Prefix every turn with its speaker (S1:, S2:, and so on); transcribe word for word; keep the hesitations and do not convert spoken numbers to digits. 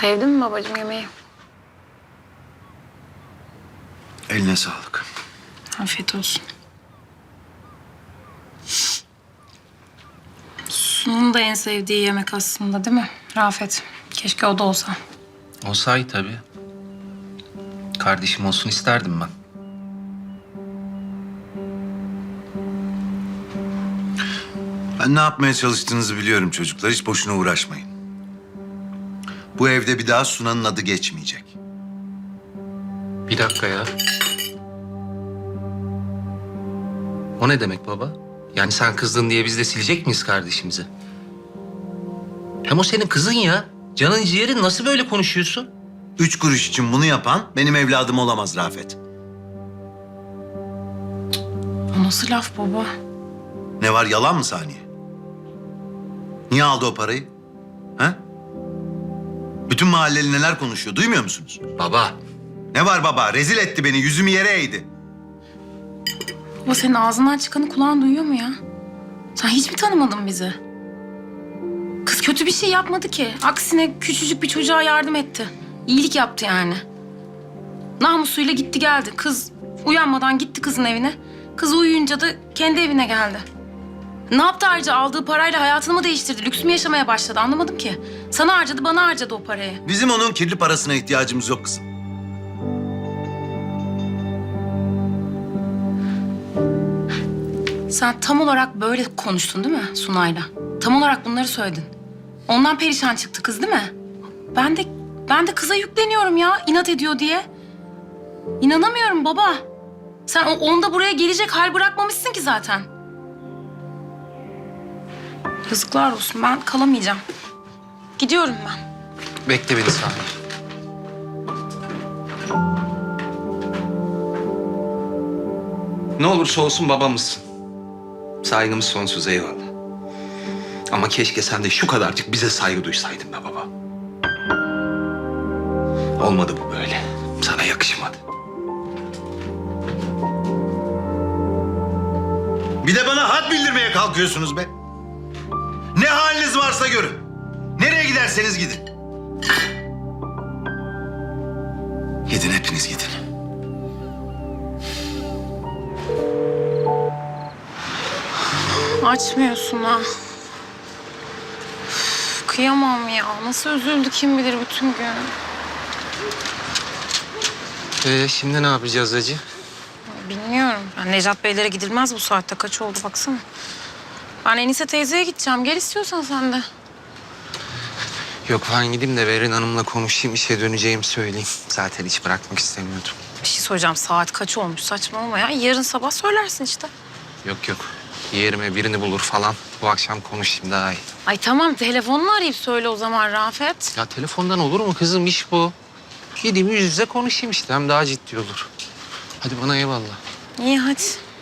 S1: Sevdin mi babacığım yemeği?
S2: Eline sağlık.
S1: Afiyet olsun. Sun'un da en sevdiği yemek aslında değil mi Rafet? Keşke o da olsa.
S3: Olsaydı tabii. Kardeşim olsun isterdim ben.
S2: Ben ne yapmaya çalıştığınızı biliyorum çocuklar. Hiç boşuna uğraşmayın. Bu evde bir daha Sunan'ın adı geçmeyecek.
S3: Bir dakika ya. O ne demek baba? Yani sen kızdın diye biz de silecek miyiz kardeşimizi? Hem o senin kızın ya. Canın ciğerin, nasıl böyle konuşuyorsun?
S2: Üç kuruş için bunu yapan benim evladım olamaz Rafet.
S1: O nasıl laf baba?
S2: Ne var, yalan mı Saniye? Niye aldı o parayı? Ha? Bütün mahalleli neler konuşuyor, duymuyor musunuz?
S3: Baba.
S2: Ne var baba? Rezil etti beni, yüzümü yere eğdi.
S1: Baba senin ağzından çıkanı kulağın duyuyor mu ya? Sen hiç mi tanımadın bizi? Kız kötü bir şey yapmadı ki. Aksine küçücük bir çocuğa yardım etti. İyilik yaptı yani. Namusuyla gitti geldi. Kız uyanmadan gitti kızın evine. Kız uyuyunca da kendi evine geldi. Ne yaptı ayrıca? Aldığı parayla hayatını mı değiştirdi? Lüks mü yaşamaya başladı? Anlamadım ki. Sana harcadı, bana harcadı o parayı.
S2: Bizim onun kirli parasına ihtiyacımız yok kızım.
S1: Sen tam olarak böyle konuştun değil mi Sunay'la? Tam olarak bunları söyledin. Ondan perişan çıktı kız değil mi? Ben de ben de kıza yükleniyorum ya, inat ediyor diye. İnanamıyorum baba. Sen o onda buraya gelecek hal bırakmamışsın ki zaten. Yazıklar olsun, ben kalamayacağım. Gidiyorum ben.
S3: Bekle beni saniye. Ne olursa olsun babamızsın. Saygımız sonsuz, eyvallah. Ama keşke sen de şu kadarcık bize saygı duysaydın be baba. Olmadı bu böyle. Sana yakışmadı.
S2: Bir de bana had bildirmeye kalkıyorsunuz be. Ne haliniz varsa görün. Nereye giderseniz gidin. Gidin, hepiniz gidin.
S1: Açmıyorsun ha. Üf, kıyamam ya. Nasıl üzüldü kim bilir bütün gün.
S3: Ee, şimdi ne yapacağız hacı?
S1: Bilmiyorum. Ben Necat Beylere gidilmez bu saatte. Kaç oldu baksana. Ben Enise teyzeye gideceğim. Gel istiyorsan sen de.
S3: Yok, ben gideyim de Berin Hanım'la konuşayım, işe döneceğimi söyleyeyim. Zaten hiç bırakmak istemiyordum.
S1: Bir şey soracağım. Saat kaç olmuş? Saçmalama ya. Yarın sabah söylersin işte.
S3: Yok yok, yerime birini bulur falan. Bu akşam konuşayım daha iyi.
S1: Ay tamam. Telefonunu arayıp söyle o zaman Rafet.
S3: Ya telefondan olur mu kızım, iş bu. Gideyim yüz yüze konuşayım işte, hem daha ciddi olur. Hadi bana eyvallah.
S1: İyi hadi.